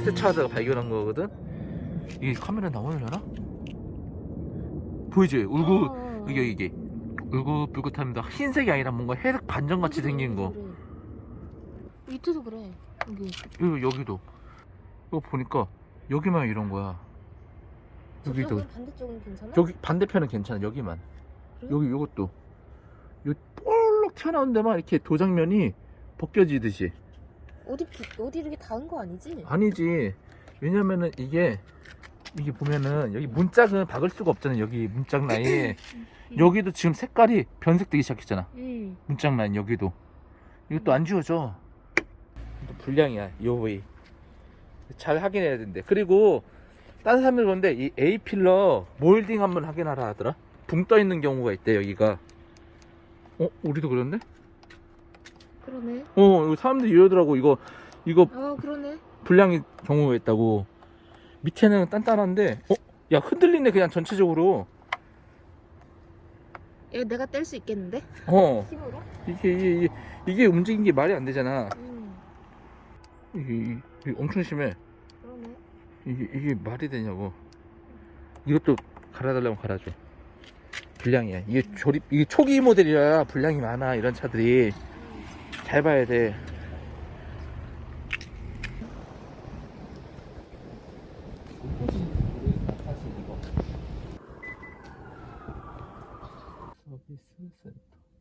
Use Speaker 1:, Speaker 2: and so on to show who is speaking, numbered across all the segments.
Speaker 1: 세차하다가 발견한 거거든. 이게 카메라 나오려나? 보이지? 울긋 이게 울긋불긋합니다. 흰색이 아니라 뭔가 회색 반점같이 생긴 거.
Speaker 2: 그래. 밑에도 그래.
Speaker 1: 여기도 이거 보니까 여기만 이런 거야. 여기도.
Speaker 2: 저쪽은 반대쪽은 괜찮아?
Speaker 1: 여기 반대편은 괜찮아. 여기만.
Speaker 2: 그래?
Speaker 1: 여기 요것도 요 볼록 튀어나온 데만 이렇게 도장면이 벗겨지듯이.
Speaker 2: 어디 이렇게 닿은 거 아니지?
Speaker 1: 아니지. 왜냐면은 이게 보면은 여기 문짝은 박을 수가 없잖아. 여기 문짝 라인. 여기도 지금 색깔이 변색되기 시작했잖아. 문짝 라인 여기도. 이것도 안 지워져. 또 불량이야. 요 부위. 잘 확인해야 된대. 그리고 다른 사람들 그런데 이 A 필러 몰딩 한번 확인하라 하더라. 붕 떠 있는 경우가 있대 여기가. 우리도 그랬네?
Speaker 2: 그러네.
Speaker 1: 이거 사람들이 이러더라고. 이거
Speaker 2: 그러네.
Speaker 1: 불량의 경우가 있다고. 밑에는 단단한데 야 흔들리네 그냥 전체적으로.
Speaker 2: 야, 내가 뗄 수 있겠는데? 힘으로?
Speaker 1: 이게 움직인 게 말이 안 되잖아.
Speaker 2: 음.
Speaker 1: 이게 엄청 심해.
Speaker 2: 그러네.
Speaker 1: 이게 말이 되냐고. 이것도 갈아달라면 갈아줘. 불량이야. 이게 초기 모델이라 불량이 많아. 이런 차들이 잘 봐야 돼. 서비스 센터.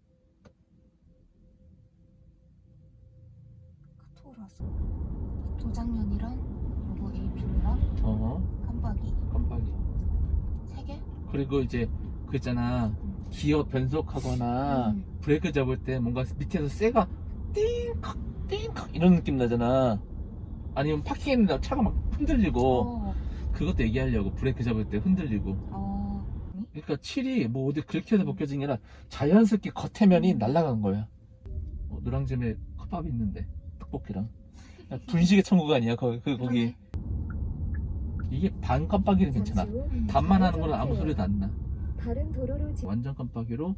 Speaker 2: 크토라서 도장면이랑 요거 AP랑 깜빡이 3개?
Speaker 1: 그리고 이제 그 있잖아. 기어 변속하거나 브레이크 잡을 때 뭔가 밑에서 쇠가 띵칵 띵칵 이런 느낌 나잖아. 아니면 파킹했는데 차가 막 흔들리고. 그것도 얘기하려고. 브레이크 잡을 때 흔들리고. 그러니까 칠이 뭐 어디 긁혀서 벗겨진 게 아니라 자연스럽게 겉에면이 날아간 거야. 노량점에 컵밥이 있는데 떡볶이랑. 분식의 천국 아니야 거기. 이게 반 깜빡이는 괜찮아. 반만 하는 거는 아무 소리도 안 나.
Speaker 3: 다른 도로로
Speaker 1: 완전 깜빡이로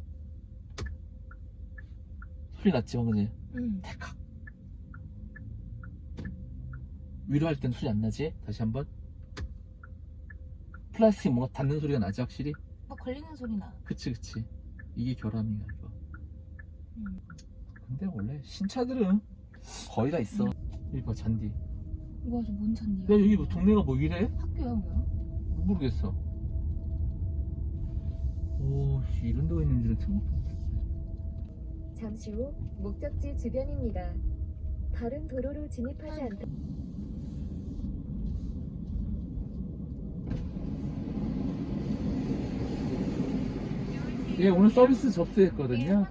Speaker 1: 소리 났지 방금. 태칵. 위로 할 땐 소리 안 나지? 다시 한번. 플라스틱 뭔가 닿는 소리가 나지 확실히?
Speaker 2: 뭐 걸리는 소리 나.
Speaker 1: 그치. 이게 결함이야 이거. 근데 원래 신차들은 거의 다 있어. 여기 봐 잔디.
Speaker 2: 이거 아주 뭔 잔디야?
Speaker 1: 야 여기 뭐 동네가 뭐 이래?
Speaker 2: 학교야 뭐야?
Speaker 1: 모르겠어. 오 이런 데가 있는 줄은 생각도 못했네.
Speaker 3: 잠시 후 목적지 주변입니다. 다른 도로로 진입하지 않다.
Speaker 1: 예 오늘 서비스 접수했거든요.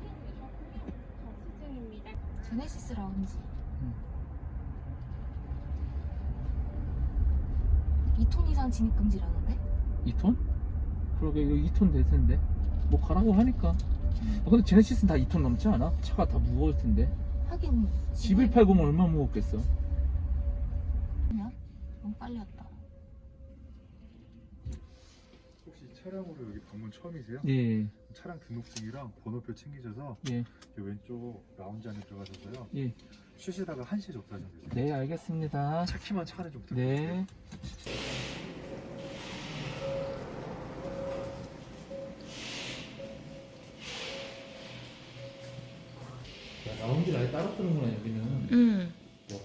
Speaker 2: 제네시스 라운지. 2톤 이상 진입 금지라는데?
Speaker 1: 2톤? 그러게 이거 2톤 될 텐데. 뭐 가라고 하니까. 근데 제네시스는 다 2톤 넘지 않아? 차가 다 무거울 텐데.
Speaker 2: 하긴
Speaker 1: G180은 얼마나 무겁겠어.
Speaker 2: 그냥 너무 빨리 왔다.
Speaker 4: 혹시 차량으로 여기 방문 처음이세요?
Speaker 1: 예.
Speaker 4: 차량 등록증이랑 번호표 챙기셔서
Speaker 1: 예.
Speaker 4: 이 왼쪽 라운지 안에 들어가셔서요.
Speaker 1: 예.
Speaker 4: 쉬시다가 1시에 접수하시면 되세요.
Speaker 1: 네 알겠습니다.
Speaker 4: 차 키만 차 안에 좀 부탁드릴게요.
Speaker 1: 네. 야, 라운지를 아예 따로 쓰는구나 여기는. 와,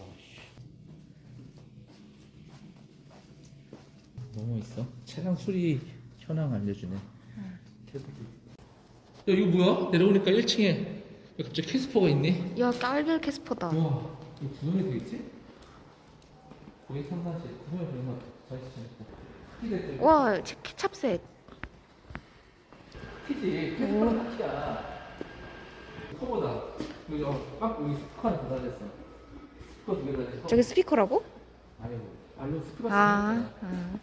Speaker 1: 너무 있어. 차량 수리 현황 알려주네. 태블릿. 야 이거 뭐야? 내려오니까 1층에 갑자기 캐스퍼가 있네.
Speaker 2: 야, 깔별 캐스퍼다.
Speaker 1: 와 이거 구성이 되겠지? 거기 상단지 구성이 되는 거 같아.
Speaker 2: 와, 케찹셋.
Speaker 1: 키지. 캐스퍼가 키야. 커보다. 여기 여기 스피커 하나 더 달렸어. 스피커 2개 달렸어.
Speaker 2: 저기 스피커라고?
Speaker 1: 아니고 말로 스피커
Speaker 2: 아,
Speaker 1: 쓰는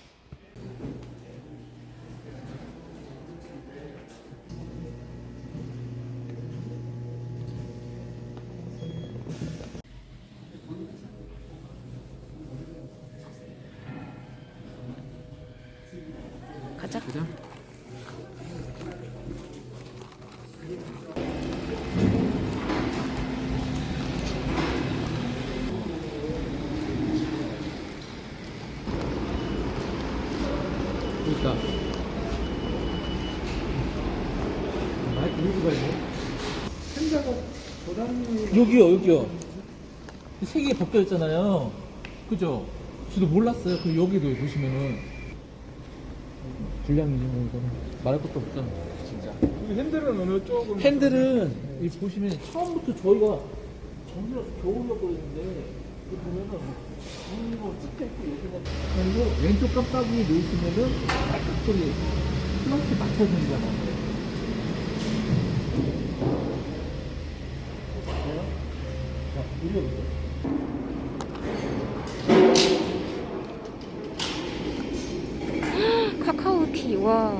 Speaker 2: 가자.
Speaker 1: 그죠? 여기요. 세 개 벗겨 있잖아요. 그죠? 저도 몰랐어요. 그 여기도 보시면은 불량이지 뭐 이거는 말할 것도 없어. 진짜.
Speaker 5: 핸들은 어느 쪽은?
Speaker 1: 핸들은 이 보시면 처음부터 저희가 정리해서 겨우 넣었는데 그 보면은 이거 찍혀 있고 여기는 그리고 왼쪽 깜빡이 놓으시면은 빨갛게 플라스틱 맞춰주잖아요. 자, 올려보세요.
Speaker 2: 카카오티, 와.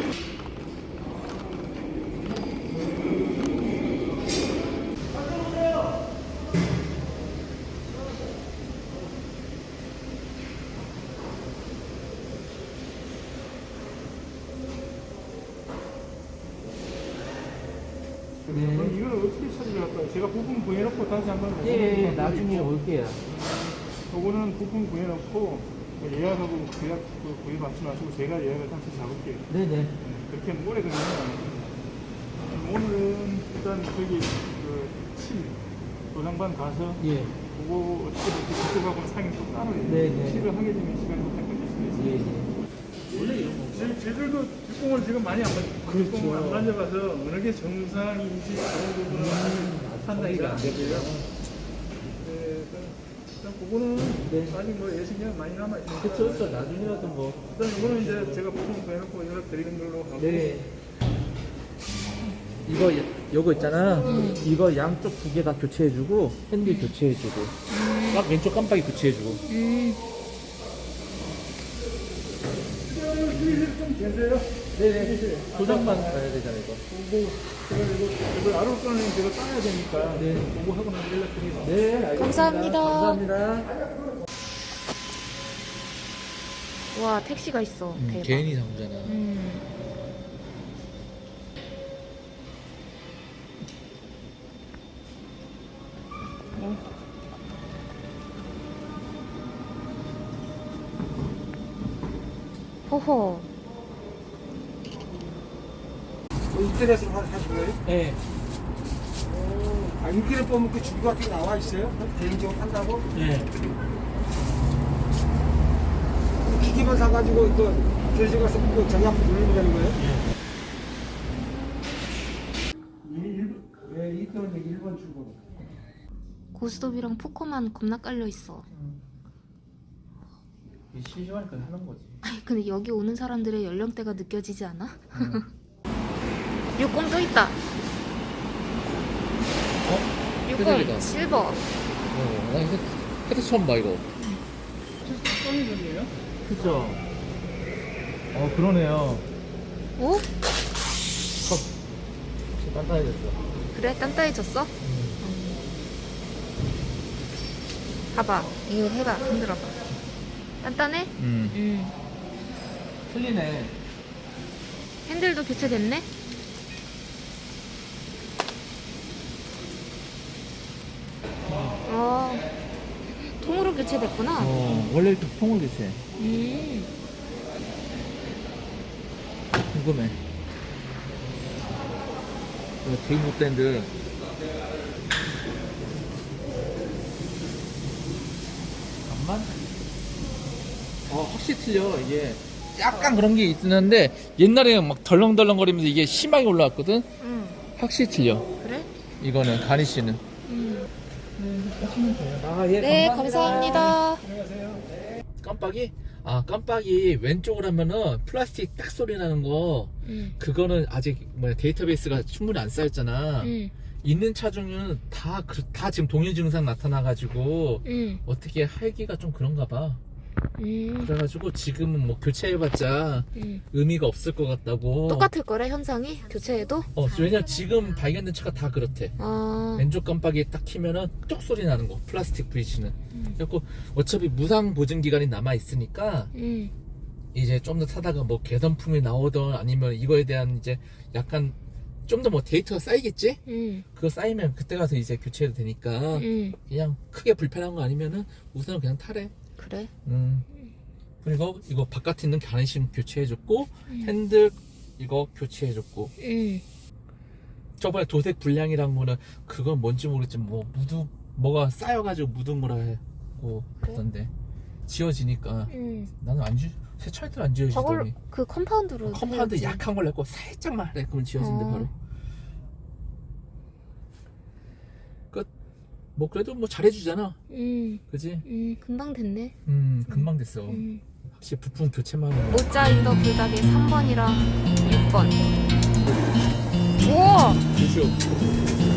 Speaker 5: 그럼 이걸 어떻게 처리를 할까요? 제가 부품 구해놓고 다시 한번
Speaker 1: 예, 나중에 올게요.
Speaker 5: 요거는 부품 구해놓고 예약하고 구입 받지 마시고 제가 예약을 다시 잡을게요.
Speaker 1: 네네.
Speaker 5: 그렇게 오래 걸리면 오늘은 일단 저기 칠 도장반 가서
Speaker 1: 예.
Speaker 5: 그거 어떻게 그쪽하고 상이 또 따로 해요.
Speaker 1: 네네.
Speaker 5: 칠을 하게 되면 시간이 좀 걸릴 수도 있어요.
Speaker 1: 예. 원래 이런 거.
Speaker 5: 저희들도 뒷공을 지금 많이 안
Speaker 1: 그렇죠.
Speaker 5: 뒷공을 안 만져봐서 어느 게 정상인지 그런 부분은 아직 판단이 안 되고요. 네, 일단 그거는
Speaker 1: 네.
Speaker 5: 아직 뭐 예식이 많이 남아 있으니까.
Speaker 1: 그쵸. 나중에라도 뭐.
Speaker 5: 일단 이거는 이제 제가 부품 구해놓고 연락 드리는 걸로 하고.
Speaker 1: 네. 요거 있잖아. 이거 양쪽 두 개 다 교체해주고, 핸들 교체해주고, 딱 왼쪽 깜빡이 교체해주고.
Speaker 5: 좀 계세요?
Speaker 1: 네네. 도장만 가야 되잖아, 이거.
Speaker 5: 이걸 아로 거는 제가 따야 되니까.
Speaker 1: 네.
Speaker 5: 그거 하고 나서 연락드리겠습니다.
Speaker 1: 네, 알겠습니다.
Speaker 2: 감사합니다.
Speaker 1: 감사합니다.
Speaker 2: 와, 택시가 있어. 대박.
Speaker 1: 개인이 사고잖아.
Speaker 2: 호호.
Speaker 6: 인터넷으로 하신 거예요?
Speaker 1: 네.
Speaker 6: 아, 인터넷 보면 그 주기 같은 게 나와 있어요? 개인적으로 판다고?
Speaker 1: 네.
Speaker 6: 기기만 사가지고 그 교실 가서 그 전략 누르면 되는 거예요? 네, 이때는 1번 출구.
Speaker 2: 고스톱이랑 포커만 겁나 깔려 있어.
Speaker 1: 심심하니까 하는 거지.
Speaker 2: 아니, 근데 여기 오는 사람들의 연령대가 느껴지지 않아? 육공 또 있다.
Speaker 1: 회색이다.
Speaker 2: 육공 실버.
Speaker 1: 나 헤드 처음 봐, 이거.
Speaker 5: 썸이던데요?
Speaker 1: 그쵸. 그러네요.
Speaker 2: 오?
Speaker 1: 단단해졌어.
Speaker 2: 그래? 단단해졌어? 봐봐. 이거 해봐. 흔들어봐. 단단해?
Speaker 1: 틀리네.
Speaker 2: 핸들도 교체됐네? 통으로 교체됐구나.
Speaker 1: 원래 이렇게 통을 교체. 궁금해. 이거 되게 못된데. 잠깐만. 확실히 틀려. 이게 약간 그런 게 있긴 한데 옛날에 막 덜렁덜렁거리면서 이게 심하게 올라왔거든.
Speaker 2: 응.
Speaker 1: 확실히 틀려.
Speaker 2: 그래?
Speaker 1: 이거는 가니쉬는. 예,
Speaker 2: 네, 감사합니다.
Speaker 1: 깜빡이? 깜빡이 왼쪽으로 하면은 플라스틱 딱 소리 나는 거. 그거는 아직 데이터베이스가 충분히 안 쌓였잖아. 있는 차 중에는 다 지금 동일 증상 나타나가지고 어떻게 할기가 좀 그런가 봐. 그래가지고 지금은 뭐 교체해봤자 의미가 없을 것 같다고.
Speaker 2: 똑같을 거래, 현상이? 교체해도?
Speaker 1: 왜냐면 지금 발견된 차가 다 그렇대. 왼쪽 깜빡이 딱 키면은 뚝 소리 나는 거, 플라스틱 브릿지는. 그래갖고 어차피 무상 보증 기간이 남아 있으니까 이제 좀 더 타다가 뭐 개선품이 나오던 아니면 이거에 대한 이제 약간 좀 더 뭐 데이터가 쌓이겠지? 그거 쌓이면 그때 가서 이제 교체해도 되니까 그냥 크게 불편한 거 아니면은 우선은 그냥 타래.
Speaker 2: 그래?
Speaker 1: 그리고 이거 바깥에 있는 가니쉬 교체해줬고 핸들 이거 교체해줬고 저번에 도색 불량이란 거는 그건 뭔지 모르겠지만 뭐 뭐가 쌓여가지고 묻은 거라 하고 그러던데 지워지니까 나는 세차이들 안
Speaker 2: 저걸로
Speaker 1: 지워지더니
Speaker 2: 그 컴파운드로
Speaker 1: 컴파운드
Speaker 2: 해야지.
Speaker 1: 약한 걸 넣고 살짝만 하래 그러면 지워진대 바로. 뭐 그래도 뭐 잘해주잖아. 그지?
Speaker 2: 금방 됐네.
Speaker 1: 금방 됐어. 확실히 부품 교체만 하면.
Speaker 2: 모짜 인더 불닭에 3번이랑 6번. 우와!
Speaker 1: 그죠?